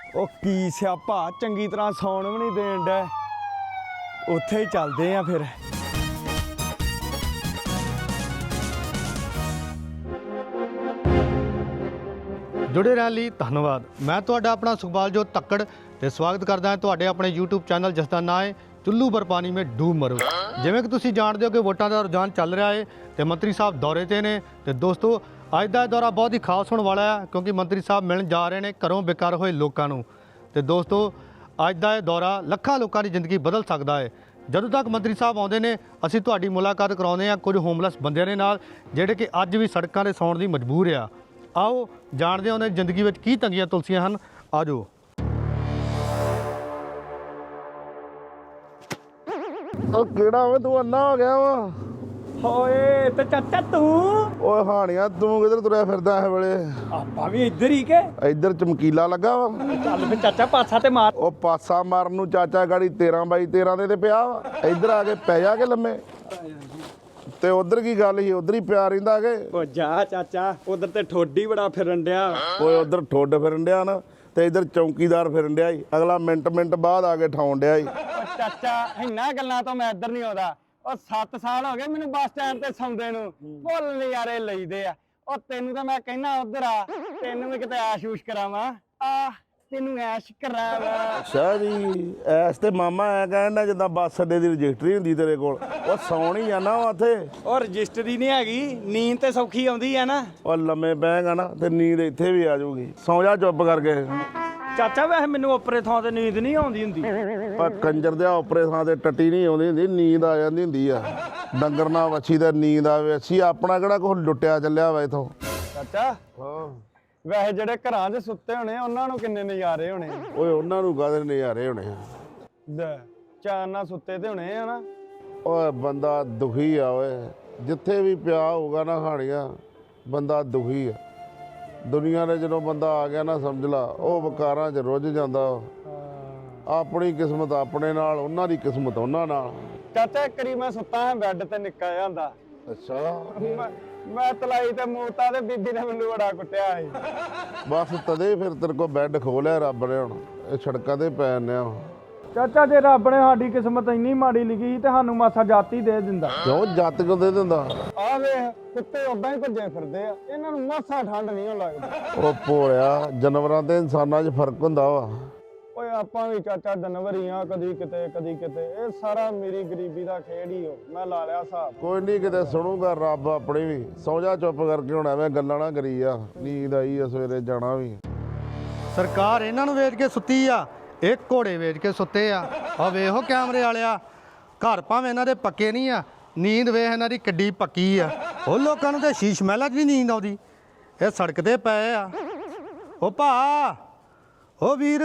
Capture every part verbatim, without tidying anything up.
ਉਹ ਕੀ ਸਿਆਪਾ ਚੰਗੀ ਤਰ੍ਹਾਂ ਸੌਣ ਵੀ ਨਹੀਂ ਦੇਣ ਡੈ। ਉੱਥੇ ਹੀ ਚੱਲਦੇ ਆ ਫਿਰ। जुड़े रहने ਲਈ ਧੰਨਵਾਦ। मैं ਤੁਹਾਡਾ ਆਪਣਾ ਸੁਖਬਾਲਜੋਤ ਤੱਕੜ ਤੇ ਸਵਾਗਤ ਕਰਦਾ ਹਾਂ ਤੁਹਾਡੇ ਆਪਣੇ YouTube ਚੈਨਲ ਜਿਸ ਦਾ ਨਾਮ ਹੈ ਚੁੱਲੂ ਪਰ ਪਾਣੀ ਮੇਂ ਡੂਬ ਮਰੋ। ਜਿਵੇਂ ਕਿ ਤੁਸੀਂ ਜਾਣਦੇ ਹੋ ਕਿ ਵੋਟਾਂ ਦਾ ਰੁਝਾਨ ਚੱਲ ਰਿਹਾ ਹੈ ਤੇ ਮੰਤਰੀ ਸਾਹਿਬ ਦੌਰੇ ਤੇ ਨੇ ਤੇ ਦੋਸਤੋ ਅੱਜ ਦਾ ਇਹ ਦੌਰਾ ਬਹੁਤ ਹੀ ਖਾਸ ਹੋਣ ਵਾਲਾ ਹੈ ਕਿਉਂਕਿ ਮੰਤਰੀ ਸਾਹਿਬ ਮਿਲਣ ਜਾ ਰਹੇ ਨੇ ਘਰੋਂ ਬੇਕਾਰ ਹੋਏ ਲੋਕਾਂ ਨੂੰ। ਤੇ ਦੋਸਤੋ ਅੱਜ ਦਾ ਇਹ ਦੌਰਾ ਲੱਖਾਂ ਲੋਕਾਂ ਦੀ ਜ਼ਿੰਦਗੀ ਬਦਲ ਸਕਦਾ ਹੈ। ਜਦੋਂ ਤੱਕ ਮੰਤਰੀ ਸਾਹਿਬ ਆਉਂਦੇ ਨੇ ਅਸੀਂ ਤੁਹਾਡੀ ਮੁਲਾਕਾਤ ਕਰਾਉਂਦੇ ਹਾਂ ਕੁਝ ਹੋਮਲੈਸ ਬੰਦਿਆਂ ਦੇ ਨਾਲ ਜਿਹੜੇ ਕਿ ਅੱਜ ਵੀ ਸੜਕਾਂ 'ਤੇ ਸੌਣ ਦੀ ਮਜਬੂਰ ਆ। आओ जानते हैं उन्हें जिंदगी में की तंगियां तुलसियां हैं। आ जाओ। ਉਹ ਕਿਹੜਾ ਵੇ ਤੂੰ ਅੰਨਾ ਹੋ ਗਿਆ ਵਾ ਹੋਏ ਤੇ ਚਾਚਾ ਤੂੰ ਓਏ ਹਾਣੀਆਂ ਤੂੰ ਕਿੱਧਰ ਤੁਰਿਆ ਫਿਰਦਾ ਇਹ ਵੇਲੇ ਆਪਾਂ ਵੀ ਇੱਧਰ ਹੀ ਕੇ ਇੱਧਰ ਚਮਕੀਲਾ ਲੱਗਾ ਵਾ ਚੱਲ ਫਿਰ ਚਾਚਾ ਪਾਸਾ ਤੇ ਮਾਰ। ਉਹ ਪਾਸਾ ਮਾਰਨ ਨੂੰ ਚਾਚਾ ਗਾੜੀ ਤੇਰਾਂ ਬਾਈ ਤੇਰਾਂ ਦੇ ਤੇ ਪਿਆ ਵਾ ਇੱਧਰ ਆ ਕੇ ਪੈ ਜਾ ਕੇ ਲੰਮੇ ਤੇ ਉਧਰ ਕੀ ਗੱਲ ਸੀ ਉਧਰ ਹੀ ਪਿਆ ਰਹਿੰਦਾ ਕਿ ਉਹ ਜਾ ਚਾਚਾ ਉਧਰ ਤੇ ਠੋਡੀ ਬੜਾ ਫਿਰਨ ਡਿਆ। ਓਏ ਉਧਰ ਠੁੱਡ ਫਿਰਨ ਡਿਆ ਨਾ ਤੇ ਇੱਧਰ ਚੌਂਕੀਦਾਰ ਫਿਰਨ ਡਿਆ ਸੀ ਅਗਲਾ ਮਿੰਟ ਮਿੰਟ ਬਾਅਦ ਆ ਕੇ ਠਾਉਣ ਡਿਆ ਸੀ। ਉਹ ਚਾਚਾ ਇੰਨਾ ਗੱਲਾਂ ਤੋਂ ਮੈਂ ਇੱਧਰ ਨਹੀਂ ਆਉਂਦਾ। ਉਹ ਸੱਤ ਸਾਲ ਹੋ ਗਏ ਮੈਨੂੰ ਬੱਸ ਸਟੈਂਡ ਤੇ ਸੌਂਦੇ ਨੂੰ ਫੁੱਲ ਨਜ਼ਾਰੇ ਲਈਦੇ ਆ। ਉਹ ਤੈਨੂੰ ਤਾਂ ਮੈਂ ਕਹਿਣਾ ਉਧਰ ਆ ਤੈਨੂੰ ਵੀ ਕਿਤੇ ਆਸ਼ੂਸ਼ ਕਰਾਵਾਂ ਆ ਤੈਨੂੰ ਐਸ਼ ਕਰਾਵਾਂ। ਅੱਛਾ ਜੀ ਐਸ ਤੇ ਮਾਮਾ ਐ ਕਹਿੰਦਾ ਜਿੱਦਾਂ ਬੱਸ ਅੱਡੇ ਦੀ ਰਜਿਸਟਰੀ ਹੁੰਦੀ ਤੇਰੇ ਕੋਲ ਉਹ ਸੌਣ ਹੀ ਜਾਣਾ ਵਾ ਉੱਥੇ। ਉਹ ਰਜਿਸਟਰੀ ਨਹੀਂ ਹੈਗੀ ਨੀਂਦ ਤੇ ਸੌਖੀ ਆਉਂਦੀ ਆ ਨਾ। ਉਹ ਲੰਮੇ ਬਹਿਗਾ ਨਾ ਤੇ ਨੀਂਦ ਇੱਥੇ ਵੀ ਆ ਜਾਊਗੀ ਸੌਂ ਜਾ ਚੁੱਪ ਕਰਕੇ। ਚਾਚਾ ਵੈਸੇ ਮੈਨੂੰ ਉੱਪਰੇ ਥਾਂ ਤੇ ਨੀਂਦ ਨਹੀਂ ਆਉਂਦੀ ਹੁੰਦੀ। ਪਰ ਕੰਜਰ ਦੇ ਉੱਪਰੇ ਥਾਂ ਤੇ ਟੱਟੀ ਨਹੀਂ ਆਉਂਦੀ ਹੁੰਦੀ ਨੀਂਦ ਆ ਜਾਂਦੀ ਹੁੰਦੀ ਆ। ਡੰਗਰ ਨਾਲ ਵੱਛੀ ਤੇ ਨੀਂਦ ਆਵੇ ਅਸੀਂ ਆਪਣਾ ਕਿਹੜਾ ਕੁਛ ਲੁੱਟਿਆ ਚੱਲਿਆ ਵਾ ਇਥੋਂ। ਚਾਚਾ ਹਾਂ ਵੈਸੇ ਜਿਹੜੇ ਘਰਾਂ 'ਚ ਸੁੱਤੇ ਹੋਣੇ ਉਹਨਾਂ ਨੂੰ ਕਿੰਨੇ ਨਜ਼ਾਰੇ ਹੋਣੇ। ਓਏ ਉਹਨਾਂ ਨੂੰ ਕਾਹਦੇ ਨਜ਼ਾਰੇ ਹੋਣੇ ਆ। ਲੈ ਚਾਰ ਨਾਲ ਸੁੱਤੇ ਤੇ ਹੋਣੇ ਆ ਨਾ। ਓਏ ਬੰਦਾ ਦੁਖੀ ਆ ਓਏ ਜਿੱਥੇ ਵੀ ਪਿਆ ਹੋਊਗਾ ਨਾ ਹਾਣੀਆਂ ਬੰਦਾ ਦੁਖੀ ਆ। ਦੁਨੀਆ ਨੇ ਜਦੋਂ ਬੰਦਾ ਆ ਗਿਆ ਨਾ ਸਮਝ ਲਾ ਉਹ ਵਿਕਾਰਾਂ 'ਚ ਰੁੱਝ ਜਾਂਦਾ। ਆਪਣੀ ਕਿਸਮਤ ਆਪਣੇ ਨਾਲ ਉਹਨਾਂ ਦੀ ਕਿਸਮਤ ਉਹਨਾਂ ਨਾਲ। ਚਾਚਾ ਇੱਕ ਵਾਰੀ ਮੈਂ ਸੁੱਤਾ ਹਾਂ ਬੈੱਡ ਤੇ ਨਿੱਕਾ ਜਿਹਾ ਹੁੰਦਾ। ਅੱਛਾ ਮੈਂ- ਮੈਂ ਤਲਾਈ ਤੇ ਮੂਤਾ ਤੇ ਬੀਬੀ ਨੇ ਮੈਨੂੰ ਬੜਾ ਕੁੱਟਿਆ ਸੀ। ਬਸ ਤਦੇ ਫਿਰ ਤੇਰੇ ਕੋਲ ਬੈੱਡ ਖੋਲਿਆ ਰੱਬ ਨੇ ਹੁਣ ਇਹ ਸੜਕਾਂ ਤੇ ਪੈ ਨੇ ਆ। ਚਾਚਾ ਜੇ ਰੱਬ ਨੇ ਸਾਡੀ ਕਿਸਮਤ ਇੰਨੀ ਮਾੜੀ ਲਿਖੀ ਸੀ ਤੇ ਸਾਨੂੰ ਮਾਸਾ ਜਾਤੀ ਦੇ ਦਿੰਦਾ। ਕਿਉਂ ਜੱਤ ਕਿਉਂ ਦੇ ਦਿੰਦਾ? ਆ ਵੇਖ ਕੁੱਤੇ ਉਦਾਂ ਹੀ ਭੱਜੇ ਫਿਰਦੇ ਆ ਇਹਨਾਂ ਨੂੰ ਮਾਸਾ ਠੰਡ ਨਹੀਂ ਲੱਗਦੀ। ਉਹ ਭੋਲਿਆ ਜਾਨਵਰਾਂ ਤੇ ਇਨਸਾਨਾਂ 'ਚ ਫਰਕ ਹੁੰਦਾ ਵਾ। ਓਏ ਆਪਾਂ ਵੀ ਚਾਚਾ ਜਾਨਵਰ ਹੀ ਆ ਕਦੀ ਕਿਤੇ ਕਦੀ ਕਿਤੇ ਇਹ ਸਾਰਾ ਮੇਰੀ ਗਰੀਬੀ ਦਾ ਖੇਡ ਹੀ ਹੋ। ਮੈਂ ਲਾ ਲਿਆ ਹਿਸਾਬ। ਕੋਈ ਨਹੀਂ ਕਿਤੇ ਸੁਣੂਗਾ ਰੱਬ ਆਪਣੀ ਵੀ। ਸੌ ਜਾ ਚੁੱਪ ਕਰਕੇ ਹੁਣ ਐਵੇਂ ਗੱਲਾਂ ਨਾ ਕਰੀ ਆ। ਨੀਂਦ ਆਈ ਆ ਸਵੇਰੇ ਜਾਣਾ ਵੀ। ਸਰਕਾਰ ਇਹਨਾਂ ਨੂੰ ਵੇਚ ਕੇ ਸੁੱਤੀ ਆ ਇਹ ਘੋੜੇ ਵੇਚ ਕੇ ਸੁੱਤੇ ਆ। ਆ ਵੇਖੋ ਕੈਮਰੇ ਵਾਲਿਆ ਘਰ ਭਾਵੇਂ ਇਹਨਾਂ ਦੇ ਪੱਕੇ ਨਹੀਂ ਆ ਨੀਂਦ ਵੇਖ ਇਹਨਾਂ ਦੀ ਕਿੱਡੀ ਪੱਕੀ ਆ। ਉਹ ਲੋਕਾਂ ਨੂੰ ਤੇ ਸ਼ੀਸ਼ ਮਹਿਲਾਂ 'ਚ ਵੀ ਨੀਂਦ ਆਉਂਦੀ ਇਹ ਸੜਕ ਤੇ ਪਏ ਆ। ਉਹ ਭਾ ਉਹ ਵੀਰ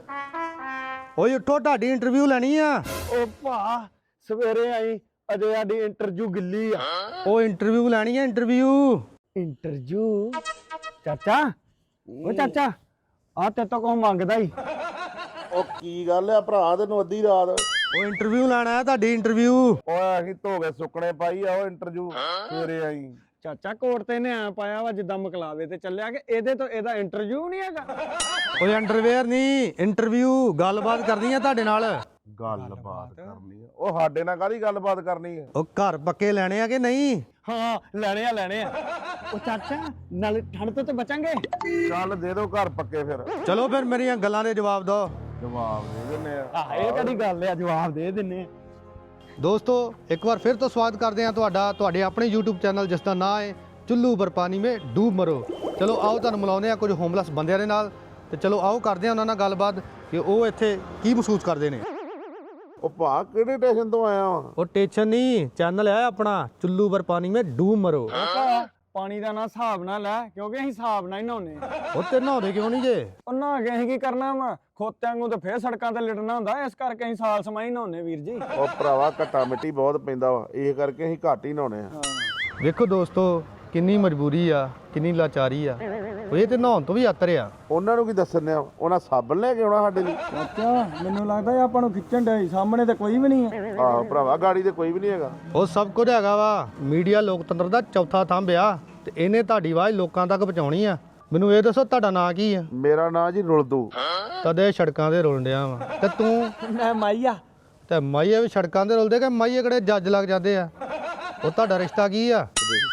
ਓਏ ਉੱਠੋ ਤੁਹਾਡੀ ਇੰਟਰਵਿਊ ਲੈਣੀ ਆ। ਉਹ ਭਾ ਸਵੇਰੇ ਆਈ ਅਜੇ ਸਾਡੀ ਇੰਟਰਵਿਊ ਗਿੱਲੀ ਆ। ਉਹ ਇੰਟਰਵਿਊ ਲੈਣੀ ਆ ਇੰਟਰਵਿਊ। ਇੰਟਰਵਿਊ ਚਾਚਾ ਉਹ ਚਾਚਾ ਆ ਤੇ ਤੋਂ ਕੋ ਮੰਗਦਾ ਹੀ। ਉਹ ਕੀ ਗੱਲ ਆ ਭਰਾ ਤੈਨੂੰ ਅੱਧੀ ਰਾਤ? ਉਹ ਇੰਟਰਵਿਊ ਲੈਣਾ ਹੈ ਤੁਹਾਡੀ ਇੰਟਰਵਿਊ। ਓਏ ਅਸੀਂ ਧੋ ਕੇ ਸੁੱਕਣੇ ਪਾਈ ਆ ਉਹ ਇੰਟਰਵਿਊ ਸਵੇਰੇ ਆਈ। ਚਾਚਾ ਕੋਟ ਤੇ ਨੇ ਆ ਪਾਇਆ ਵਾ ਜਿੱਦਾਂ ਮਕਲਾਵੇ ਤੇ ਚੱਲਿਆ ਕਿ ਇਹਦੇ ਤੋਂ ਇਹਦਾ ਇੰਟਰਵਿਊ ਨਹੀਂ ਹੈਗਾ। ਓਏ ਅੰਡਰਵੇਅਰ ਨਹੀਂ ਇੰਟਰਵਿਊ ਗੱਲਬਾਤ ਕਰਨੀ ਆ ਤੁਹਾਡੇ ਨਾਲ। ਗੱਲਬਾਤ ਕਰਨੀ ਆ? ਉਹ ਸਾਡੇ ਨਾਲ ਕਾਹਦੀ ਗੱਲਬਾਤ ਕਰਨੀ ਆ? ਉਹ ਘਰ ਪੱਕੇ ਲੈਣੇ ਆ ਕਿ ਨਹੀਂ? ਹਾਂ ਲੈਣੇ ਆ ਲੈਣੇ ਆ। ਉਹ ਚਾਚਾ ਨਾਲ ਠੰਡ ਤੋਂ ਤੇ ਬਚਾਂਗੇ। ਚੱਲ ਦੇ ਦੋ ਘਰ ਪੱਕੇ ਫਿਰ। ਚਲੋ ਫਿਰ ਮੇਰੀਆਂ ਗੱਲਾਂ ਦੇ ਜਵਾਬ ਦਿਓ। ਜਵਾਬ ਦੇ ਦਿੰਨੇ ਆ। ਆਹ ਇਹ ਕਦੀ ਗੱਲ ਆ ਜਵਾਬ ਦੇ ਦਿੰਨੇ ਆ। ਦੋਸਤੋ ਇੱਕ ਵਾਰ ਫਿਰ ਤੋਂ ਸਵਾਗਤ ਕਰਦੇ ਹਾਂ ਤੁਹਾਡਾ ਤੁਹਾਡੇ ਆਪਣੇ YouTube ਚੈਨਲ ਜਿਸ ਦਾ ਨਾਮ ਹੈ ਚੁੱਲੂ ਪਰ ਪਾਣੀ ਮੇਂ ਡੂਬ ਮਰੋ। ਚਲੋ ਆਓ ਤੁਹਾਨੂੰ ਮਿਲਾਉਂਦੇ ਆ ਕੁਝ ਹੋਮਲੈਸ ਬੰਦਿਆਂ ਦੇ ਨਾਲ ਤੇ ਚਲੋ ਆਓ ਕਰਦੇ ਆ ਉਹਨਾਂ ਨਾਲ ਗੱਲਬਾਤ ਕਿ ਉਹ ਇੱਥੇ ਕੀ ਮਹਿਸੂਸ ਕਰਦੇ ਨੇ। ਉਹ ਭਾ ਕਿਹੜੇ ਸਟੇਸ਼ਨ ਤੋਂ ਆਇਆ ਵਾ? ਉਹ ਟੈਨਸ਼ਨ ਨਹੀਂ ਚੈਨਲ ਹੈ ਆਪਣਾ ਚੁੱਲੂ ਪਰ ਪਾਣੀ ਮੇਂ ਡੂਬ ਮਰੋ। ਪਾਣੀ ਦਾ ਨਾ ਹਿਸਾਬ ਨਾਲ ਲੈ ਕਿਉਂਕਿ ਅਸੀਂ ਹਿਸਾਬ ਨਾਲ ਹੀ ਨਹਾਉਨੇ। ਉਹ ਤੇ ਨਹਾਉਂਦੇ ਕਿਉਂ ਨਹੀਂ ਜੇ? ਉਹ ਨਹਾ ਕੇ ਅਸੀਂ ਕੀ ਕਰਨਾ ਵਾ ਖੋਤਿਆਂ ਨੂੰ ਤੇ ਫੇਰ ਸੜਕਾਂ ਤੇ ਲਿਟਣਾ ਹੁੰਦਾ ਇਸ ਕਰਕੇ ਅਸੀਂ ਸਾਲ ਸਮਾਂ ਹੀ ਨਹਾਉਨੇ ਵੀਰ ਜੀ। ਉਹ ਭਰਾਵਾ ਘੱਟਾ ਮਿੱਟੀ ਬਹੁਤ ਪੈਂਦਾ ਵਾ ਇਹ ਕਰਕੇ ਅਸੀਂ ਘੱਟ ਹੀ ਨਹਾਉਨੇ ਆ। ਵੇਖੋ ਦੋਸਤੋ ਕਿੰਨੀ ਮਜਬੂਰੀ ਆ ਕਿੰਨੀ ਲਾਚਾਰੀ ਆ। ਉਹ ਇਹ ਤੇ ਨਹਾਉਣ ਤੋਂ ਵੀ ਆਤਰ ਆ। ਉਹਨਾਂ ਨੂੰ ਕੀ ਦੱਸਣੇ ਆ ਉਹਨਾਂ ਸਾਬਣ ਲੈ ਕੇ ਆਉਣਾ ਸਾਡੇ ਲਈ। ਚਾਚਾ ਮੈਨੂੰ ਲੱਗਦਾ ਆਪਾਂ ਨੂੰ ਖਿੱਚਣ ਡਿਆ ਸਾਹਮਣੇ ਤੇ ਕੋਈ ਵੀ ਨਹੀਂ ਹੈ। ਆਹੋ ਭਰਾਵਾ ਗਾੜੀ ਤੇ ਕੋਈ ਵੀ ਨਹੀਂ ਹੈਗਾ। ਉਹ ਸਭ ਕੁਝ ਹੈਗਾ ਵਾ ਮੀਡੀਆ ਲੋਕਤੰਤਰ ਦਾ ਚੌਥਾ ਥੰਬ ਆ ਤੇ ਇਹਨੇ ਤੁਹਾਡੀ ਆਵਾਜ਼ ਲੋਕਾਂ ਤੱਕ ਪਹੁੰਚਾਉਣੀ ਆ। ਮੈਨੂੰ ਇਹ ਦੱਸੋ ਤੁਹਾਡਾ ਨਾਂ ਕੀ ਆ? ਮੇਰਾ ਨਾਂ ਜੀ ਰੁਲਦੂ। ਕਦੇ ਸੜਕਾਂ ਤੇ ਰੁਲਣ ਡਿਆ ਵਾ ਤੇ ਤੂੰ? ਮੈਂ ਮਾਈਆ। ਤੇ ਮਾਈਏ ਵੀ ਸੜਕਾਂ ਤੇ ਰੁਲਦੇ ਕਿ ਮਾਈਏ ਕਿਹੜੇ ਜੱਜ ਲੱਗ ਜਾਂਦੇ ਆ? ਉਹ ਤੁਹਾਡਾ ਰਿਸ਼ਤਾ ਕੀ ਆ?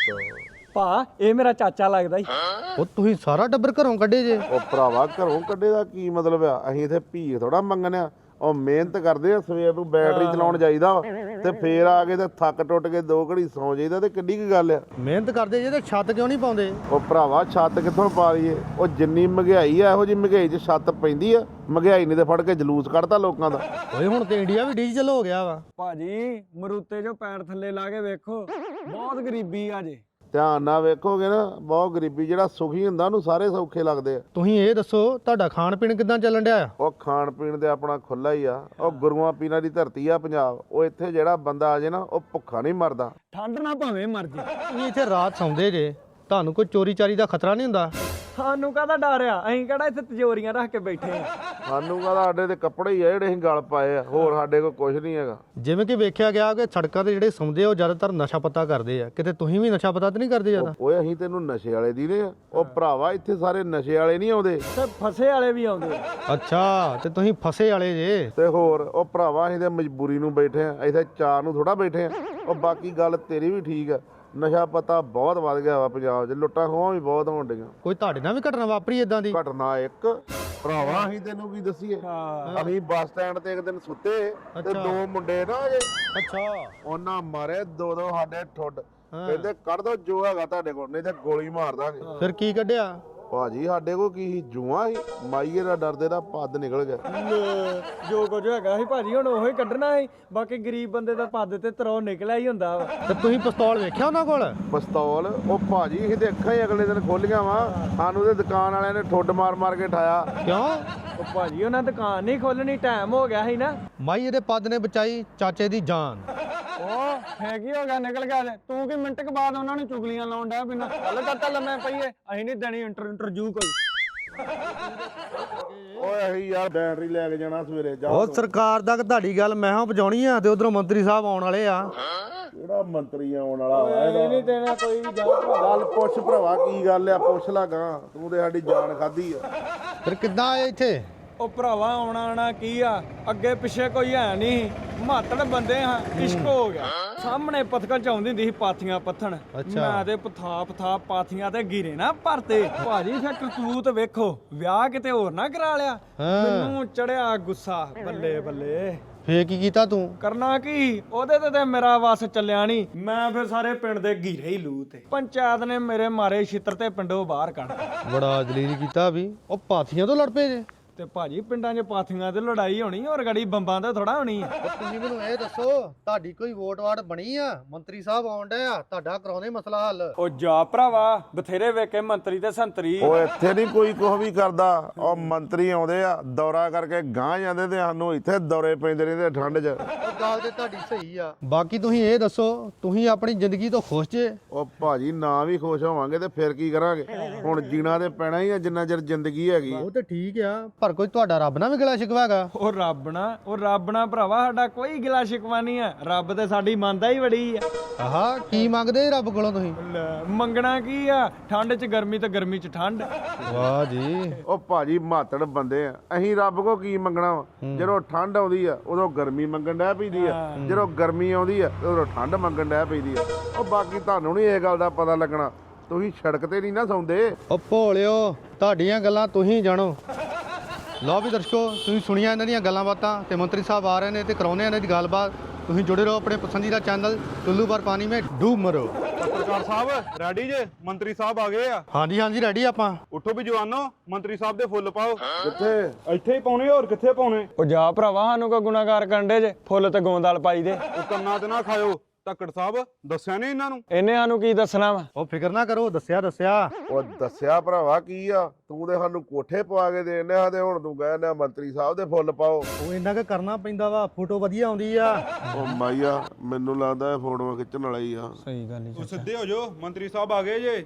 ਭਾ ਇਹ ਮੇਰਾ ਚਾਚਾ ਲੱਗਦਾ ਈ। ਉਹ ਤੁਸੀਂ ਸਾਰਾ ਟੱਬਰ ਘਰੋਂ ਕੱਢੇ ਜੇ? ਉਹ ਭਰਾਵਾ ਘਰੋਂ ਕੱਢੇ ਦਾ ਕੀ ਮਤਲਬ ਆ? ਅਸੀਂ ਇੱਥੇ ਭੀਖ ਥੋੜਾ ਮੰਗਣਿਆ। ਉਹ ਮਿਹਨਤ ਕਰਦੇ ਆ, ਸਵੇਰ ਨੂੰ ਬੈਟਰੀ ਚਲਾਉਣ ਜਾਈਦਾ ਵਾ ਤੇ ਫੇਰ ਆ ਕੇ ਤੇ ਥੱਕ ਟੁੱਟ ਕੇ ਦੋ ਘੜੀ ਸੌਂ ਜਾਈਦਾ ਤੇ ਕਿੱਡੀ ਕੀ ਗੱਲ ਆ? ਮਿਹਨਤ ਕਰਦੇ ਜੇ ਤੇ ਛੱਤ ਕਿਉਂ ਨਹੀਂ ਪਾਉਂਦੇ? ਉਹ ਭਰਾਵਾ ਛੱਤ ਕਿੱਥੋਂ ਪਾ ਲਈਏ? ਉਹ ਜਿੰਨੀ ਮਹਿੰਗਾਈ ਆ ਇਹੋ ਜੀ ਮਹਿੰਗਾਈ 'ਚ ਛੱਤ ਪੈਂਦੀ ਆ। ਮਹਿੰਗਾਈ ਨੇ ਤੇ ਫੜ ਕੇ ਜਲੂਸ ਕੱਢਤਾ ਲੋਕਾਂ ਦਾ। ਓਏ ਹੁਣ ਤੇ ਇੰਡੀਆ ਵੀ ਡਿਜੀਟਲ ਹੋ ਗਿਆ ਵਾ। ਭਾਜੀ ਮਰੂਤੇ ਜੋ ਪੈਰ ਥੱਲੇ ਲਾ ਕੇ ਵੇਖੋ, ਬਹੁਤ ਗਰੀਬੀ ਆ ਜੇ। ਧਿਆਨ ਨਾਲ ਵੇਖੋਗੇ ਨਾ, ਬਹੁਤ ਗਰੀਬੀ। ਜਿਹੜਾ ਸੁਖੀ ਹੁੰਦਾ ਉਹਨੂੰ ਸਾਰੇ ਸੌਖੇ ਲੱਗਦੇ ਆ। ਤੁਸੀਂ ਇਹ ਦੱਸੋ ਤੁਹਾਡਾ ਖਾਣ ਪੀਣ ਕਿਦਾਂ ਚੱਲਣ ਡਿਆ ਆ? ਉਹ ਖਾਣ ਪੀਣ ਦੇ ਆਪਣਾ ਖੁੱਲਾ ਹੀ ਆ। ਉਹ ਗੁਰੂਆਂ ਪੀਰਾਂ ਦੀ ਧਰਤੀ ਆ ਪੰਜਾਬ। ਉਹ ਇੱਥੇ ਜਿਹੜਾ ਬੰਦਾ ਆ ਜੇ ਨਾ ਉਹ ਭੁੱਖਾ ਨਹੀਂ ਮਰਦਾ। ਠੰਡ ਨਾ ਭਾਵੇਂ ਮਰ ਜੇ। ਤੁਸੀਂ ਇੱਥੇ ਰਾਤ ਸੌਂਦੇ ਜੇ, ਤੁਹਾਨੂੰ ਕੋਈ ਚੋਰੀ ਚਾਰੀ ਦਾ ਖਤਰਾ ਨਹੀਂ ਹੁੰਦਾ? ਸਾਨੂੰ ਕਾਹਦਾ ਡਰ ਆ? ਅਸੀਂ ਕਿਹੜਾ ਇੱਥੇ ਤਿਜੋਰੀਆਂ ਰੱਖ ਕੇ ਬੈਠੇ ਆ। ਸਾਨੂੰ ਕਹਿੰਦਾ ਸਾਡੇ ਤੇ ਕੱਪੜੇ ਹੀ ਆ ਜਿਹੜੇ ਅਸੀਂ ਗਲ ਪਾਏ ਆ, ਹੋਰ ਸਾਡੇ ਕੋਲ ਕੁਝ ਨਹੀਂ ਹੈਗਾ। ਜਿਵੇਂ ਕਿ ਵੇਖਿਆ ਗਿਆ ਕਿ ਸੜਕਾਂ ਤੇ ਜਿਹੜੇ ਸੌਂਦੇ ਆ ਉਹ ਜ਼ਿਆਦਾਤਰ ਨਸ਼ਾ ਪੱਤਾ ਕਰਦੇ ਆ। ਕਿਤੇ ਤੁਸੀਂ ਵੀ ਨਸ਼ਾ ਪੱਤਾ ਤੇ ਨਹੀਂ ਕਰਦੇ ਜ਼ਿਆਦਾ? ਓਏ ਅਸੀਂ ਤੈਨੂੰ ਨਸ਼ੇ ਵਾਲੇ ਦੀ ਨੇ ਆ। ਉਹ ਭਰਾਵਾ ਇੱਥੇ ਸਾਰੇ ਨਸ਼ੇ ਵਾਲੇ ਨਹੀਂ ਆਉਂਦੇ ਤੇ ਫਸੇ ਵਾਲੇ ਵੀ ਆਉਂਦੇ ਆ। ਅੱਛਾ, ਤੇ ਤੁਸੀਂ ਫਸੇ ਵਾਲੇ ਜੇ? ਤੇ ਹੋਰ ਉਹ ਭਰਾਵਾ ਅਸੀਂ ਤੇ ਮਜਬੂਰੀ ਨੂੰ ਬੈਠੇ ਆ, ਇੱਥੇ ਚਾਰ ਨੂੰ ਥੋੜਾ ਬੈਠੇ ਆ। ਉਹ ਬਾਕੀ ਗੱਲ ਤੇਰੀ ਵੀ ਠੀਕ ਆ, ਨਸ਼ਾ ਪਤਾ ਬਹੁਤ ਵੱਧ ਗਿਆ ਵਾ ਪੰਜਾਬ 'ਚ। ਲੁੱਟਾਂ ਖੋਹਾਂ ਵੀ ਬਹੁਤ ਹੋਣ ਡੀਆਂ। ਕੋਈ ਤੁਹਾਡੇ ਨਾਲ ਵੀ ਘਟਨਾ ਵਾਪਰੀ ਇਦਾਂ ਦੀ? ਘਟਨਾ ਇੱਕ ਭਰਾਵਾ ਅਸੀਂ ਤੈਨੂੰ ਕੀ ਦੱਸੀਏ। ਅਸੀਂ ਬੱਸ ਸਟੈਂਡ ਤੇ ਇੱਕ ਦਿਨ ਸੁੱਤੇ ਤੇ ਦੋ ਮੁੰਡੇ ਨਾ ਅਜੇ, ਅੱਛਾ, ਉਹਨਾਂ ਮਾਰੇ ਦੋ ਦੋ ਸਾਡੇ ਠੁੱਡ। ਕਹਿੰਦੇ ਕੱਢ ਦੋ ਜੋ ਹੈਗਾ ਤੁਹਾਡੇ ਕੋਲ, ਨਹੀਂ ਤੇ ਗੋਲੀ ਮਾਰ ਦਾਂਗੇ। ਫਿਰ ਕੀ ਕੱਢਿਆ? ਭਾਜੀ ਸਾਡੇ ਕੋਲ ਕੀ ਸੀ? ਜੂਆਂ ਸੀ। ਮਾਈਏ ਦਾ ਡਰਦੇ ਦਾ ਪੱਦ ਨਿਕਲ ਗਿਆ। ਜੋ ਕੁਝ ਹੈਗਾ ਸੀ ਭਾਜੀ ਹੁਣ ਉਹੀ ਕੱਢਣਾ ਸੀ। ਬਾਕੀ ਗਰੀਬ ਬੰਦੇ ਦਾ ਪੱਦ ਤੇ ਤਰੋ ਨਿਕਲਿਆ ਹੀ ਹੁੰਦਾ ਵਾ। ਤੇ ਤੁਸੀਂ ਪਿਸਤੌਲ ਵੇਖਿਆ ਉਹਨਾਂ ਕੋਲ? ਪਿਸਤੌਲ? ਉਹ ਭਾਜੀ ਅਸੀਂ ਤੇ ਅੱਖਾਂ ਹੀ ਅਗਲੇ ਦਿਨ ਖੋਲੀਆਂ ਵਾ। ਸਾਨੂੰ ਤੇ ਦੁਕਾਨ ਵਾਲਿਆਂ ਨੇ ਠੁੱਡ ਮਾਰ ਮਾਰ ਕੇ ਠਾਇਆ। ਕਿਉਂ? ਉਹ ਭਾਜੀ ਉਹਨਾਂ ਦੁਕਾਨ ਨਹੀਂ ਖੋਲਣੀ, ਟਾਈਮ ਹੋ ਗਿਆ ਸੀ ਨਾ। ਮਾਈ ਇਹਦੇ ਪੱਦ ਨੇ ਬਚਾਈ ਚਾਚੇ ਦੀ ਜਾਨ। ਉਹ ਹੈ ਕੀ ਹੋ ਗਿਆ, ਨਿਕਲ ਗਿਆ ਤੇ ਤੂੰ ਕੀ ਮਿੰਟ ਕੁ ਬਾਅਦ ਉਹਨਾਂ ਨੂੰ ਚੁਗਲੀਆਂ ਲਾਉਣ ਡਿਆ ਬਿਨਾ ਗੱਲ ਕਰਤਾ ਲੰਮੇ ਪਈਏ। ਅਸੀਂ ਨਹੀਂ ਦੇਣੀ ਇੰਟਰ ਇੰਟਰਵਿਊ ਕੋਈ। ਓਏ ਅਸੀਂ ਯਾਰ ਬੈਟਰੀ ਲੈ ਕੇ ਜਾਣਾ ਸਵੇਰੇ। ਜਾ ਉਹ ਸਰਕਾਰ ਦਾ ਤੁਹਾਡੀ ਗੱਲ ਮੈਂ ਹਾਂ ਪਹੁੰਚਾਉਣੀ ਆ ਤੇ ਉਧਰੋਂ ਮੰਤਰੀ ਸਾਹਿਬ ਆਉਣ ਵਾਲੇ ਆ। ਕਿਹੜਾ ਮੰਤਰੀ ਆਉਣ ਵਾਲਾ ਵਾ ਇਹ ਨਹੀਂ ਦੇਣਾ ਕੋਈ ਵੀ। ਜਾ ਗੱਲ ਪੁੱਛ ਭਰਾਵਾ ਕੀ ਗੱਲ ਆ, ਪੁੱਛ ਲਾਗਾ। ਤੂੰ ਤੇ ਸਾਡੀ ਜਾਨ ਖਾਧੀ ਆ। ਫਿਰ ਕਿੱਦਾਂ ਆਏ ਇੱਥੇ? ਉਹ ਭਰਾਵਾ ਆਉਣਾ ਆਣਾ ਕੀ ਆ, ਅੱਗੇ ਪਿੱਛੇ ਕੋਈ ਹੈ ਨਹੀਂ, ਮਾਤੜ ਬੰਦੇ ਹਾਂ। ਇਸ਼ਕ ਹੋ ਗਿਆ। ਸਾਹਮਣੇ ਪਥਕਲ ਚ ਆਉਂਦੀ ਹੁੰਦੀ ਸੀ ਪਾਥੀਆਂ ਪੱਥਣ। ਮੈਂ ਤੇ ਪਥਾ ਪਥਾ ਪਾਥੀਆਂ ਤੇ ਗਿਰੇ ਨਾ ਭਰਤੇ। ਭਾਜੀ ਫਿਰ ਕਰਤੂਤ ਵੇਖੋ, ਵਿਆਹ ਕਿਤੇ ਹੋਰ ਨਾ ਕਰਾ ਲਿਆ। ਮੈਨੂੰ ਚੜਿਆ ਗੁੱਸਾ, ਬੱਲੇ ਬੱਲੇ। ਫੇਰ ਕੀ ਕੀਤਾ ਤੂੰ? ਕਰਨਾ ਕੀ, ਉਹਦੇ ਤੇ ਤੇ ਮੇਰਾ ਵਸ ਚੱਲਿਆ ਨਹੀਂ। ਮੈਂ ਫਿਰ ਸਾਰੇ ਪਿੰਡ ਦੇ ਘੀਰੇ ਹੀ ਲੂ ਤੇ ਪੰਚਾਇਤ ਨੇ ਮੇਰੇ ਮਾਰੇ ਛਿੱਤਰ ਤੇ ਪਿੰਡੋਂ ਬਾਹਰ ਕੱਢ। ਬੜਾ ਦਲੀਲ ਕੀਤਾ ਵੀ। ਉਹ ਪਾਥੀਆਂ ਤੋਂ ਲੜ ਪਏ ਜੇ? ਤੇ ਭਾਜੀ ਪਿੰਡਾਂ 'ਚ ਪਾਥੀਆਂ ਤੇ ਲੜਾਈ ਹੋਣੀ, ਔਰ ਗੜੀ ਬੰਬਾਂ ਤੇ ਥੋੜਾ ਹੋਣੀ ਆ। ਤੁਸੀਂ ਮੈਨੂੰ ਇਹ ਦੱਸੋ ਤੁਹਾਡੀ ਕੋਈ ਵੋਟ ਵਾਟ ਬਣੀ ਆ? ਮੰਤਰੀ ਸਾਹਿਬ ਆਉਣ ਡਏ ਆ, ਤੁਹਾਡਾ ਕਰਾਉਣੇ ਮਸਲਾ ਹੱਲ। ਉਹ ਜਾ ਭਰਾਵਾ, ਬਥੇਰੇ ਵੇਖੇ ਮੰਤਰੀ ਤੇ ਸੰਤਰੀ। ਉਹ ਇੱਥੇ ਨਹੀਂ ਕੋਈ ਕੁਝ ਵੀ ਕਰਦਾ। ਉਹ ਮੰਤਰੀ ਆਉਂਦੇ ਆ, ਦੌਰਾ ਕਰਕੇ ਗਾਂ ਜਾਂਦੇ ਤੇ ਸਾਨੂੰ ਇੱਥੇ ਦੌਰੇ ਪੈਂਦੇ ਰਹਿੰਦੇ ਠੰਡ 'ਚ। ਉਹ ਗੱਲ ਤੇ ਤੁਹਾਡੀ ਸਹੀ ਆ। ਬਾਕੀ ਤੁਸੀਂ ਇਹ ਦੱਸੋ ਤੁਸੀਂ ਆਪਣੀ ਜ਼ਿੰਦਗੀ ਤੋਂ ਖੁਸ਼ ਜੇ? ਉਹ ਭਾਜੀ ਨਾ ਵੀ ਖੁਸ਼ ਹੋਵਾਂਗੇ ਤੇ ਫਿਰ ਕੀ ਕਰਾਂਗੇ? ਹੁਣ ਜੀਣਾ ਤੇ ਪੈਣਾ ਹੀ ਆ ਜਿੰਨਾ ਚਿਰ ਜ਼ਿੰਦਗੀ ਹੈਗੀ। ਉਹ ਤੇ ਠੀਕ ਆ, ਪਰ ਕੋਈ ਤੁਹਾਡਾ ਰੱਬ ਨਾਲ ਵੀ ਗਿਲਾ ਸ਼ਿਕਵਾ ਹੈਗਾ? ਉਹ ਰੱਬ ਨਾ ਉਹ ਰੱਬ ਨਾ ਭਰਾਵਾ ਸਾਡਾ ਕੋਈ ਗਿਲਾ ਸ਼ਿਕਵਾ ਨਹੀਂ ਆ। ਰੱਬ ਤੇ ਸਾਡੀ ਮੰਨਦਾ ਹੀ ਬੜੀ ਆ। ਆਹਾ, ਕੀ ਮੰਗਦੇ ਰੱਬ ਕੋਲੋਂ ਤੁਸੀਂ? ਲੈ, ਮੰਗਣਾ ਕੀ ਆ? ਠੰਡ 'ਚ ਗਰਮੀ ਤੇ ਗਰਮੀ 'ਚ ਠੰਡ। ਵਾਹ ਜੀ। ਉਹ ਭਾਜੀ ਮਾਤੜ ਬੰਦੇ ਆ ਅਸੀਂ। ਰੱਬ ਕੋ ਕੀ ਮੰਗਣਾ ਵਾ? ਜਦੋਂ ਠੰਡ ਆਉਂਦੀ ਆ ਉਦੋਂ ਗਰਮੀ ਮੰਗਣ ਡੈ ਪੈਂਦੀ ਆ, ਜਦੋਂ ਗਰਮੀ ਆਉਂਦੀ ਆ ਉਦੋਂ ਠੰਡ ਮੰਗਣ ਡੈ ਪੈਂਦੀ ਆ। ਉਹ ਬਾਕੀ ਤੁਹਾਨੂੰ ਨਹੀਂ ਇਹ ਗੱਲ ਦਾ ਪਤਾ ਲੱਗਣਾ, ਤੁਸੀਂ ਸੜਕ ਤੇ ਨਹੀਂ ਨਾ ਸੌਂਦੇ। ਉਹ ਭੋਲਿਓ, ਤੁਹਾਡੀਆਂ ਗੱਲਾਂ ਤੁਸੀਂ ਜਾਣੋ। ਲਓ ਵੀ ਦਰਸ਼ਕੋ, ਤੁਸੀਂ ਸੁਣੀਆਂ ਇਹਨਾਂ ਦੀਆਂ ਗੱਲਾਂ ਬਾਤਾਂ ਤੇ ਮੰਤਰੀ ਸਾਹਿਬ ਆ ਰਹੇ ਨੇ ਤੇ ਕਰਾਉਣੇ ਇਹਨਾਂ ਦੀ ਗੱਲਬਾਤ। ਤੁਸੀਂ ਜੁੜੇ ਰਹੋ ਆਪਣੇ ਪਸੰਦੀਦਾ ਚੈਨਲ ਟੁੱਲੂ ਪਰ ਪਾਣੀ ਮੇਂ ਡੂਬ ਮਰੋ। ਪੱਤਰਕਾਰ ਸਾਹਿਬ ਰੈਡੀ ਜੇ? ਮੰਤਰੀ ਸਾਹਿਬ ਆ ਗਏ ਆ। ਹਾਂਜੀ ਹਾਂਜੀ ਰੈਡੀ ਆਪਾਂ। ਉੱਠੋ ਵੀ ਜਵਾਨੋ, ਮੰਤਰੀ ਸਾਹਿਬ ਦੇ ਫੁੱਲ ਪਾਓ। ਕਿੱਥੇ? ਇੱਥੇ ਹੀ ਪਾਉਣੇ, ਹੋਰ ਕਿੱਥੇ ਪਾਉਣੇ? ਉਹ ਜਾ ਭਰਾਵਾ, ਸਾਨੂੰ ਕੋ ਗੁਨਾਹਗਾਰ ਕੰਡੇ ਜੇ ਫੁੱਲ ਤੇ ਗੋਂਦਾਲ ਪਾਈ ਦੇ। ਉਹ ਕੰਨਾਂ ਤੇ ਨਾ ਖਾਇਓ। ਧੱਕੜ ਸਾਹਿਬ ਦੱਸਿਆ ਨਹੀਂ ਇਹਨਾਂ ਨੂੰ? ਇਹਨੇ ਸਾਨੂੰ ਕੀ ਦੱਸਣਾ ਵਾ? ਉਹ ਫਿਕਰ ਨਾ ਕਰੋ, ਦੱਸਿਆ ਦੱਸਿਆ। ਉਹ ਦੱਸਿਆ ਭਰਾਵਾ ਕੀ ਆ? ਤੂੰ ਤੇ ਸਾਨੂੰ ਕੋਠੇ ਪਵਾ ਕੇ ਦੇਣੇ ਆ ਤੇ ਹੁਣ ਤੂੰ ਕਹਿੰਦਾ ਮੰਤਰੀ ਸਾਹਿਬ ਦੇ ਫੁੱਲ ਪਾਓ। ਉਹ ਇੰਨਾ ਕੁ ਕਰਨਾ ਪੈਂਦਾ ਵਾ, ਫੋਟੋ ਵਧੀਆ ਆਉਂਦੀ ਆ। ਉਹ ਮਾਈਆ ਮੈਨੂੰ ਲੱਗਦਾ ਇਹ ਫੋਟੋਆਂ ਖਿੱਚਣ ਵਾਲਾ ਹੀ ਆ। ਸਹੀ ਗੱਲ ਹੀ। ਤੂੰ ਸਿੱਧੇ ਹੋ ਜਾਓ, ਮੰਤਰੀ ਸਾਹਿਬ ਆ ਗਏ ਜੇ।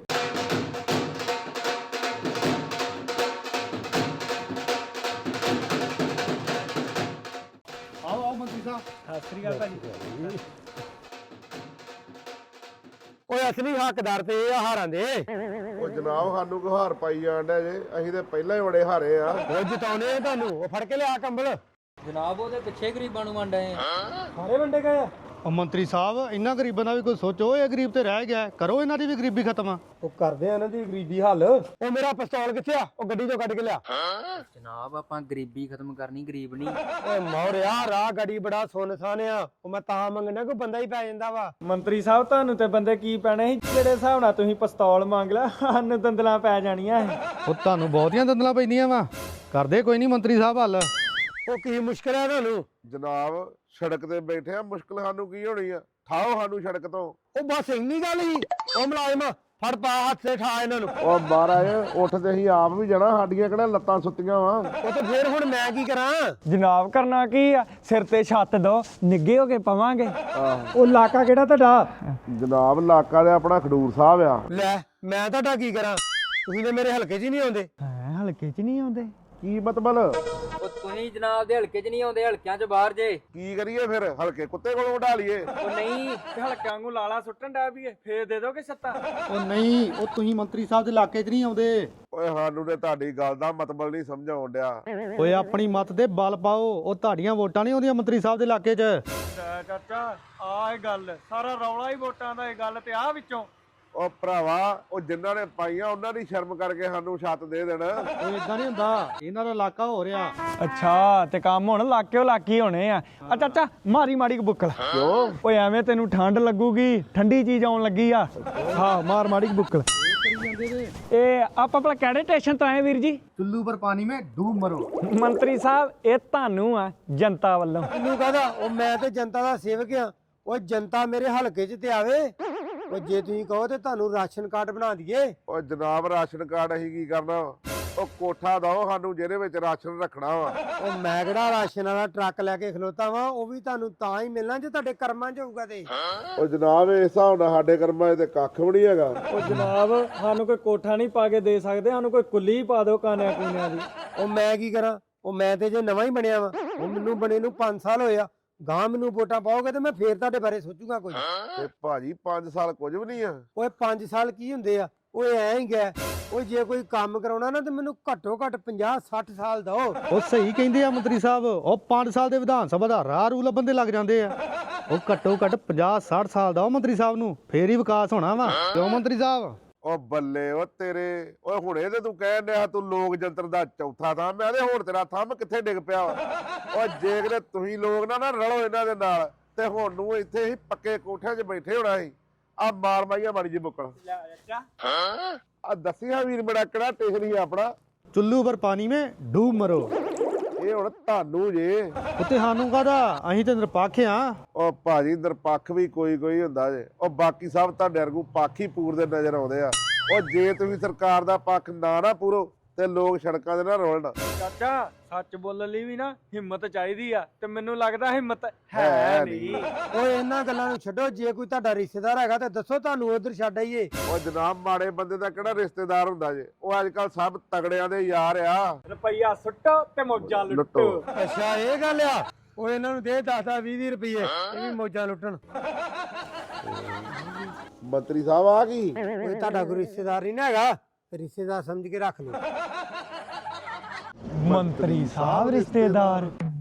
ਆਓ ਆਓ ਮੰਤਰੀ ਸਾਹਿਬ। ਸਤਿ ਸ੍ਰੀ ਅਕਾਲ ਭਾਜੀ। ਓਏ ਅਸਲੀ ਹੱਕਦਾਰ ਤੇ ਇਹ ਆ ਹਾਰਾਂ ਦੇ। ਉਹ ਜਨਾਬ ਸਾਨੂੰ ਕੋ ਹਾਰ ਪਾਈ ਜਾਣ ਡਿਆ ਜੇ, ਅਸੀਂ ਤੇ ਪਹਿਲਾਂ ਹੀ ਬੜੇ ਹਾਰੇ ਆ। ਉਹ ਜਿਤਾਉਣੇ ਆ ਤੁਹਾਨੂੰ, ਉਹ ਫੜ ਕੇ ਲਿਆ ਕੰਬਲ। ਜਨਾਬ ਉਹਦੇ ਪਿੱਛੇ ਗਰੀਬਾਂ ਨੂੰ ਵੰਡ ਆਏ ਆ। ਸਾਰੇ ਵੰਡੇ ਗਏ ਆ। ਉਹ ਮੰਤਰੀ ਸਾਹਿਬ ਇਹਨਾਂ ਗਰੀਬਾਂ ਦਾ ਵੀ ਕੋਈ ਸੋਚੋ, ਇਹ ਗਰੀਬ ਤੇ ਰਹਿ ਗਿਆ, ਕਰੋ ਇਹਨਾਂ ਦੀ ਵੀ ਗਰੀਬੀ ਖਤਮ। ਉਹ ਕਰਦੇ ਆ ਇਹਨਾਂ ਦੀ ਗਰੀਬੀ ਹੱਲ। ਉਹ ਮੇਰਾ ਪਿਸਤੌਲ ਕਿੱਥੇ ਆ? ਉਹ ਗੱਡੀ ਚੋਂ ਕੱਢ ਕੇ ਲਿਆ। ਜਨਾਬ ਆਪਾਂ ਗਰੀਬੀ ਖਤਮ ਕਰਨੀ, ਗਰੀਬ ਨਹੀਂ। ਓਏ ਮੌਰਿਆ ਰਾਹ ਗੜੀ ਬੜਾ ਸੁਨਸਾਨ ਆ। ਉਹ ਮੈਂ ਤਾਂ ਮੰਗਣਾ ਕੋਈ ਬੰਦਾ ਹੀ ਪੈ ਜਾਂਦਾ ਵਾ। ਮੰਤਰੀ ਸਾਹਿਬ ਤੁਹਾਨੂੰ ਤੇ ਬੰਦੇ ਕੀ ਪੈਣੇ ਸੀ, ਜਿਹੜੇ ਹਿਸਾਬ ਨਾਲ ਤੁਸੀਂ ਪਿਸਤੌਲ ਮੰਗ ਲਿਆ, ਸਾਨੂੰ ਦੰਦਲਾਂ ਪੈ ਜਾਣੀਆਂ ਸੀ। ਉਹ ਤੁਹਾਨੂੰ ਬਹੁਤੀਆਂ ਦੰਦਲਾਂ ਪੈਂਦੀਆਂ ਵਾ, ਕਰਦੇ ਕੋਈ ਨਹੀਂ ਮੰਤਰੀ ਸਾਹਿਬ ਹੱਲ। ਉਹ ਕੀ ਮੁਸ਼ਕਲ ਆ ਤੁਹਾਨੂੰ? ਜਨਾਬ ਸੜਕ ਤੇ ਬੈਠੇ ਆ, ਮੁਸ਼ਕਲ ਸਾਨੂੰ ਕੀ ਹੋਣੀ ਆ? ਠਾਓ ਸਾਨੂੰ ਸੜਕ ਤੋਂ। ਉਹ ਬਸ ਇੰਨੀ ਗੱਲ ਹੀ। ਉਹ ਮੁਲਾਜ਼ਮ ਫੜ ਪਾ ਹੱਥ ਤੇ ਠਾ ਇਹਨਾਂ ਨੂੰ। ਉਹ ਮਹਾਰਾਜ ਉੱਠਦੇ ਅਸੀਂ ਆਪ ਵੀ ਜਾਣਾ, ਸਾਡੀਆਂ ਕਿਹੜਾ ਲੱਤਾਂ ਸੁੱਤੀਆਂ ਵਾ। ਉਹ ਤੇ ਫੇਰ ਹੁਣ ਮੈਂ ਕੀ ਕਰਾਂ? ਜਨਾਬ ਕਰਨਾ ਕੀ ਆ, ਸਿਰ ਤੇ ਛੱਤ ਦੋ, ਨਿੱਗੇ ਹੋ ਕੇ ਪਵਾਂਗੇ। ਉਹ ਇਲਾਕਾ ਕਿਹੜਾ ਤੁਹਾਡਾ? ਜਨਾਬ ਇਲਾਕਾ ਦੇ ਆਪਣਾ ਖਡੂਰ ਸਾਹਿਬ ਆ। ਲੈ ਮੈਂ ਤੁਹਾਡਾ ਕੀ ਕਰਾਂ? ਤੁਸੀਂ ਤੇ ਮੇਰੇ ਹਲਕੇ 'ਚ ਹੀ ਨਹੀਂ ਆਉਂਦੇ। ਹੈ ਹਲਕੇ 'ਚ ਨਹੀਂ ਆਉਂਦੇ। ਕੀ ਮਤਲਬ? ਉਹ ਤੁਸੀਂ ਜਨਾਬ ਦੇ ਹਲਕੇ 'ਚ ਨਹੀਂ ਆਉਂਦੇ, ਹਲਕਿਆਂ 'ਚ ਬਾਹਰ ਜੇ। ਕੀ ਕਰੀਏ ਫਿਰ? ਹਲਕੇ ਕੁੱਤੇ ਕੋਲੋਂ ਉਡਾ ਲਈਏ? ਉਹ ਨਹੀਂ, ਤੇ ਹਲਕਿਆਂ ਨੂੰ ਲਾਲਾ ਸੁੱਟਣ ਡੈ ਪਈਏ, ਫੇਰ ਦੇ ਦੋਗੇ ਸੱਤਾ। ਉਹ ਨਹੀਂ, ਉਹ ਤੁਸੀਂ ਮੰਤਰੀ ਸਾਹਿਬ ਦੇ ਇਲਾਕੇ 'ਚ ਨਹੀਂ ਆਉਂਦੇ। ਓਏ ਸਾਨੂੰ ਤੇ ਤੁਹਾਡੀ ਗੱਲ ਦਾ ਮਤਲਬ ਨਹੀਂ ਸਮਝ ਆਉਣ ਡਿਆ। ਓਏ ਆਪਣੀ ਮਤ ਦੇ ਬਲ ਪਾਓ, ਉਹ ਤੁਹਾਡੀਆਂ ਵੋਟਾਂ ਨਹੀਂ ਆਉਂਦੀਆਂ ਮੰਤਰੀ ਸਾਹਿਬ ਦੇ ਇਲਾਕੇ 'ਚ। ਚਾਚਾ ਆਹ ਇਹ ਗੱਲ, ਸਾਰਾ ਰੌਲਾ ਹੀ ਵੋਟਾਂ ਦਾ। ਇਹ ਗੱਲ ਤੇ ਆ ਵਿੱਚੋਂ ਉਹ ਭਰਾਵਾ, ਉਹ ਜਿਨ੍ਹਾਂ ਨੇ ਪਾਈਆਂ ਉਹਨਾਂ ਦੀ ਸ਼ਰਮ ਕਰਕੇ ਸਾਨੂੰ ਛੱਤ ਦੇ ਦੇਣ। ਉਹ ਇਦਾਂ ਨਹੀਂ ਹੁੰਦਾ, ਇਹਨਾਂ ਦਾ ਇਲਾਕਾ ਹੋ ਰਿਹਾ। ਅੱਛਾ, ਤੇ ਕੰਮ ਹੁਣ ਲਾਕਿਓ ਲਾਕੀ ਹੋਣੇ ਆ। ਆ ਚਾਚਾ ਮਾਰੀ ਮਾੜੀ ਬੁੱਕਲ। ਕਿਉਂ? ਓਏ ਐਵੇਂ ਤੈਨੂੰ ਠੰਡ ਲੱਗੂਗੀ, ਠੰਡੀ ਚੀਜ਼ ਆਉਣ ਲੱਗੀ ਆ। ਹਾਂ ਮਾਰ ਮਾੜੀ ਬੁੱਕਲ। ਇਹ ਆਪਾਂ ਭਲਾ ਕਿਹੜੇ ਸਟੇਸ਼ਨ ਤੋਂ ਆਏ ਵੀਰ ਜੀ? ਚੁੱਲੂ ਪਰ ਪਾਣੀ ਮੇ ਡੂਬ ਮਰੋ। ਮੰਤਰੀ ਸਾਹਿਬ ਇਹ ਤੁਹਾਨੂੰ ਆ ਜਨਤਾ ਵੱਲੋਂ। ਮੈਨੂੰ ਕਹਦਾ ਉਹ ਮੈਂ ਤੇ ਜਨਤਾ ਦਾ ਸੇਵਕ ਆ। ਉਹ ਜਨਤਾ ਮੇਰੇ ਹਲਕੇ 'ਚ ਤੇ ਆਵੇ। ਉਹ ਜੇ ਤੁਸੀਂ ਕਹੋ ਤੇ ਤੁਹਾਨੂੰ ਰਾਸ਼ਨ ਕਾਰਡ ਬਣਾ ਦਈਏ। ਉਹ ਜਨਾਬ ਰਾਸ਼ਨ ਕਾਰਡ ਅਸੀਂ ਕੀ ਕਰਨਾ? ਉਹ ਕੋਠਾ ਦਓ ਸਾਨੂੰ ਜਿਹਦੇ ਵਿੱਚ ਰਾਸ਼ਨ ਰੱਖਣਾ ਵਾ। ਉਹ ਮੈਂ ਕਿਹੜਾ ਰਾਸ਼ਨ ਵਾਲਾ ਟਰੱਕ ਲੈ ਕੇ ਖਲੋਤਾ ਵਾਂ? ਉਹ ਵੀ ਤੁਹਾਨੂੰ ਤਾਂ ਹੀ ਮਿਲਣਾ ਜੇ ਤੁਹਾਡੇ ਕਰਮਾਂ 'ਚ ਹੋਊਗਾ ਤੇ। ਉਹ ਜਨਾਬ ਇਸ ਹਿਸਾਬ ਨਾਲ ਸਾਡੇ ਕਰਮਾਂ 'ਚ ਤੇ ਕੱਖ ਵੀ ਨਹੀਂ ਹੈਗਾ। ਉਹ ਜਨਾਬ ਸਾਨੂੰ ਕੋਈ ਕੋਠਾ ਨਹੀਂ ਪਾ ਕੇ ਦੇ ਸਕਦੇ, ਸਾਨੂੰ ਕੋਈ ਕੁੱਲੀ ਪਾ ਦਿਓ ਕਾਨਿਆਂ ਕੂਨਿਆਂ ਦੀ। ਉਹ ਮੈਂ ਕੀ ਕਰਾਂ? ਉਹ ਮੈਂ ਤੇ ਜੇ ਨਵਾਂ ਹੀ ਬਣਿਆ ਵਾਂ। ਉਹ ਮੈਨੂੰ ਬਣੇ ਨੂੰ ਪੰਜ ਸਾਲ ਹੋਏ ਆ। ਗਾਂ ਮੈਨੂੰ ਵੋਟਾਂ ਪਾਓਗੇ ਤੇ ਮੈਂ ਫੇਰ ਤੁਹਾਡੇ ਬਾਰੇ ਸੋਚੂਗਾ ਕੁਝ। ਤੇ ਭਾਜੀ ਪੰਜ ਸਾਲ ਕੁਝ ਵੀ ਨਹੀਂ ਆ। ਓਏ ਪੰਜ ਸਾਲ ਕੀ ਹੁੰਦੇ ਆ? ਓਏ ਐ ਹੀ ਗਿਆ। ਓਏ ਜੇ ਕੋਈ ਕੰਮ ਕਰਾਉਣਾ ਨਾ ਤੇ ਮੈਨੂੰ ਘੱਟੋ ਘੱਟ ਪੰਜਾਹ ਸੱਠ ਸਾਲ ਦਿਓ। ਉਹ ਸਹੀ ਕਹਿੰਦੇ ਆ ਮੰਤਰੀ ਸਾਹਿਬ, ਉਹ ਪੰਜ ਸਾਲ ਦੇ ਵਿਧਾਨ ਸਭਾ ਦਾ ਰਾਹ ਰੂ ਲੱਭਣ ਦੇ ਲੱਗ ਜਾਂਦੇ ਆ। ਉਹ ਘੱਟੋ ਘੱਟ ਪੰਜਾਹ ਸੱਠ ਸਾਲ ਦਾ ਉਹ ਮੰਤਰੀ ਸਾਹਿਬ ਨੂੰ, ਫੇਰ ਹੀ ਵਿਕਾਸ ਹੋਣਾ ਵਾ। ਕਿਉਂ ਮੰਤਰੀ ਸਾਹਿਬ? ਉਹ ਬੱਲੇ ਉਹ ਤੇਰੇ। ਓਏ ਹੁਣੇ ਤੇ ਤੂੰ ਕਹਿਣ ਡਿਆ ਤੂੰ ਲੋਕ ਜੰਤਰ ਦਾ ਚੌਥਾ ਥਾਂ। ਮੈਂ ਤੇ ਹੁਣ ਤੇਰਾ ਥੰਮ ਕਿੱਥੇ ਡਿੱਗ ਪਿਆ ਵਾ। ਓ ਜੇ ਕਿਤੇ ਤੁਸੀਂ ਲੋਕ ਨਾ ਨਾ ਰਲੋ ਇਹਨਾਂ ਦੇ ਨਾਲ ਤੇ ਹੁਣ ਨੂੰ ਇੱਥੇ ਹੀ ਪੱਕੇ ਕੋਠਿਆਂ 'ਚ ਬੈਠੇ ਹੋਣਾ ਸੀ। ਆ ਮਾਰ ਮਾਈਆ ਮਾੜੀ ਜੀ ਬੁੱਕਲ। ਆ ਦੱਸਿਆ ਵੀਰ ਮੇਰਾ ਕਿਹੜਾ ਸਟੇਸ਼ਨ ਹੀ ਆਪਣਾ? ਚੁੱਲੂ ਪਰ ਪਾਣੀ ਮੇ ਡੂਬ ਮਰੋ। ਇਹ ਹੁਣ ਤੁਹਾਨੂੰ ਜੇ। ਉੱਤੇ ਸਾਨੂੰ ਕਾਹਦਾ, ਅਸੀਂ ਤੇ ਨਿਰਪੱਖ ਆ। ਉਹ ਭਾਜੀ ਨਿਰਪੱਖ ਵੀ ਕੋਈ ਕੋਈ ਹੁੰਦਾ ਜੇ। ਉਹ ਬਾਕੀ ਸਭ ਤੁਹਾਡੇ ਵਰਗੂ ਪੱਖ ਹੀ ਪੂਰਦੇ ਨਜ਼ਰ ਆਉਂਦੇ ਆ। ਉਹ ਜੇ ਤੁਸੀਂ ਸਰਕਾਰ ਦਾ ਪੱਖ ਨਾ ਨਾ ਪੂਰੋ ਤੇ ਲੋਕ ਸੜਕਾਂ ਦੇ ਨਾ ਰੋਲਣ। ਚਾਚਾ ਸੱਚ ਬੋਲਣ ਲਈ ਵੀ ਨਾ ਹਿੰਮਤ ਚਾਹੀਦੀ ਆ, ਤੇ ਮੈਨੂੰ ਲੱਗਦਾ ਹਿੰਮਤ ਹੈ ਹੈ ਨਹੀਂ। ਨਹੀਂ। ਓਏ ਇਹਨਾਂ ਗੱਲਾਂ ਨੂੰ ਛੱਡੋ। ਜੇ ਕੋਈ ਤੁਹਾਡਾ ਰਿਸ਼ਤੇਦਾਰ ਹੈਗਾ ਤੇ ਦੱਸੋ, ਤੁਹਾਨੂੰ ਉਧਰ ਛੱਡ ਆਈਏ। ਉਹ ਜਨਾਬ ਮਾੜੇ ਬੰਦੇ ਦਾ ਕਿਹੜਾ ਰਿਸ਼ਤੇਦਾਰ ਹੁੰਦਾ ਜੇ? ਉਹ ਅੱਜ ਕੱਲ ਸਭ ਤਗੜਿਆਂ ਦੇ ਯਾਰ ਆ। ਰੁਪਈਆ ਸੁੱਟੋ ਤੇ ਮੌਜਾਂ ਲੁੱਟੋ। ਲੁੱਟੋ। ਅੱਛਾ ਇਹ ਗੱਲ ਆ। ਓਏ ਇਹਨਾਂ ਨੂੰ ਦੇ ਦਸ ਦਸ ਵੀਹ ਵੀਹ ਰੁਪਏ, ਇਹ ਵੀ ਮੌਜਾਂ ਲੁੱਟਣ। ਮੰਤਰੀ ਸਾਹਿਬ ਆ ਕੀ? ਓਏ ਤੁਹਾਡਾ ਕੋਈ ਰਿਸ਼ਤੇਦਾਰ ਨਹੀਂ ਨਾ ਹੈਗਾ, ਰਿਸ਼ਤੇਦਾਰ ਸਮਝ ਕੇ ਰੱਖ ਲਓ। ਮੰਤਰੀ ਸਾਹਿਬ ਰਿਸ਼ਤੇਦਾਰ।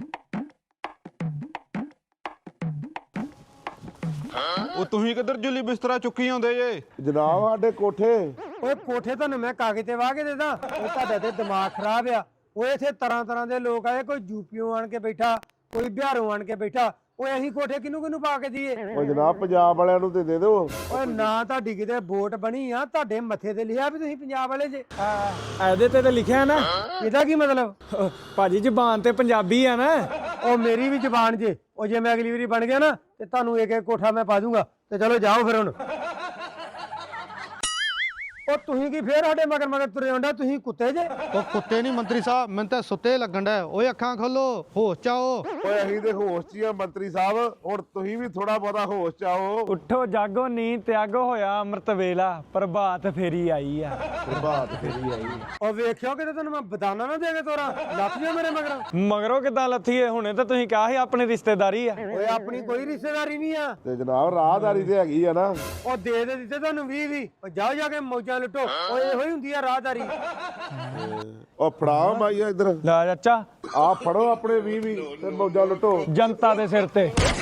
ਉਹ ਤੁਸੀਂ ਕਿੱਧਰ ਜੁਲੀ ਬਿਸਤਰਾ ਚੁੱਕੀ ਆਉਂਦੇ ਜੇ? ਜਨਾਬ ਸਾਡੇ ਕੋਠੇ। ਓਏ ਕੋਠੇ ਤੁਹਾਨੂੰ ਮੈਂ ਕਾਗਜ਼ ਤੇ ਵਾਹ ਕੇ ਦੇਦਾ। ਉਹ ਤੁਹਾਡਾ ਤੇ ਦਿਮਾਗ ਖਰਾਬ ਆ। ਓਏ ਇੱਥੇ ਤਰ੍ਹਾਂ ਤਰ੍ਹਾਂ ਦੇ ਲੋਕ ਆਏ, ਕੋਈ ਯੂਪੀਓਂ ਆਣ ਕੇ ਬੈਠਾ, ਕੋਈ ਬਿਹਾਰੋਂ ਆਣ ਕੇ ਬੈਠਾ। ਓਏ ਅਸੀਂ ਕੋਠੇ ਕਿਹਨੂੰ ਕਿਹਨੂੰ ਪਾ ਕੇ ਦਈਏ? ਉਹ ਜਨਾਬ ਪੰਜਾਬ ਵਾਲਿਆਂ ਨੂੰ ਤੇ ਦੇ ਦਿਓ। ਓਏ ਨਾ ਤੁਹਾਡੀ ਕਿਤੇ ਵੋਟ ਬਣੀ ਆ, ਤੁਹਾਡੇ ਮੱਥੇ ਤੇ ਲਿਖਿਆ ਵੀ ਤੁਸੀਂ ਪੰਜਾਬ ਵਾਲੇ ਜੇ। ਇਹਦੇ ਤੇ ਤਾਂ ਲਿਖਿਆ ਨਾ। ਇਹਦਾ ਕੀ ਮਤਲਬ? ਭਾਜੀ ਜ਼ਬਾਨ ਤੇ ਪੰਜਾਬੀ ਆ ਨਾ। ਉਹ ਮੇਰੀ ਵੀ ਜ਼ਬਾਨ ਜੇ। ਉਹ ਜੇ ਮੈਂ ਅਗਲੀ ਵਾਰੀ ਬਣ ਗਿਆ ਨਾ ਤੇ ਤੁਹਾਨੂੰ ਇੱਕ ਇੱਕ ਕੋਠਾ ਮੈਂ ਪਾ ਦੂੰਗਾ। ਤੇ ਚਲੋ ਜਾਓ ਫਿਰ ਹੁਣ। ਉਹ ਤੁਸੀਂ ਕੀ ਫੇਰ ਸਾਡੇ ਮਗਰ ਮਗਰ ਤੁਰੇ ਆਉਂਦਾ? ਤੁਸੀਂ ਕੁੱਤੇ ਜੇ। ਉਹ ਕੁੱਤੇ ਨਹੀਂ ਮੰਤਰੀ ਸਾਹਿਬ, ਮੈਨੂੰ ਤਾਂ ਸੁੱਤੇ ਲੱਗਣ ਡਿਆ। ਓਏ ਅੱਖਾਂ ਖੋਲੋ, ਹੋਸ਼ ਚ ਆਓ। ਓਏ ਅਸੀਂ ਤੇ ਹੋਸ਼ 'ਚ ਹੀ ਆ ਮੰਤਰੀ ਸਾਹਿਬ। ਹੁਣ ਤੁਸੀਂ ਵੀ ਥੋੜਾ ਬਹੁਤਾ ਹੋਸ਼ 'ਚ ਆਓ। ਉੱਠੋ ਜਾਗੋ ਨੀਂਦ ਤਿਆਗੋ, ਹੋਇਆ ਅੰਮ੍ਰਿਤ ਵੇਲਾ, ਪ੍ਰਭਾਤ ਫੇਰੀ ਆਈ ਆ। ਪ੍ਰਭਾਤ ਫੇਰੀ ਆਈ। ਉਹ ਵੇਖਿਓ ਕਿਤੇ ਤੈਨੂੰ ਮੈਂ ਬਦਾਨਾ ਨਾ ਦੇ ਕੇ ਤੋਰਾ। ਲੱਥ ਜਾ ਮੇਰੇ ਮਗਰ। ਮਗਰੋਂ ਕਿੱਦਾਂ ਲੱਥੀਏ? ਹੁਣੇ ਤਾਂ ਤੁਸੀਂ ਕਿਹਾ ਸੀ ਆਪਣੀ ਰਿਸ਼ਤੇਦਾਰੀ ਆ। ਓਏ ਆਪਣੀ ਕੋਈ ਰਿਸ਼ਤੇਦਾਰੀ ਨਹੀਂ ਆ। ਤੇ ਜਨਾਬ ਰਾਹਦਾਰੀ ਤੇ ਹੈਗੀ ਆ ਨਾ। ਉਹ ਦੇ ਦੇ ਦਿੱਤੇ ਤੁਹਾਨੂੰ ਵੀਹ ਵੀਹ। ਉਹ ਜਾਓ ਜਾ ਕੇ ਮੌਜਾਂ ਮੌਜਾਂ ਲੁੱਟੋ ਓਏ ਇਹੋ ਹੀ ਹੁੰਦੀ ਆ ਰਾਹਦਾਰੀ। ਉਹ ਫੜਾ ਮਾਈਆ ਇੱਧਰ ਲੈ ਚਾਚਾ ਆ ਫੜੋ ਆਪਣੇ ਵੀਹ ਵੀਹ ਤੇ ਮੌਜਾਂ ਲੁੱਟੋ। ਜਨਤਾ ਦੇ ਸਿਰ ਤੇ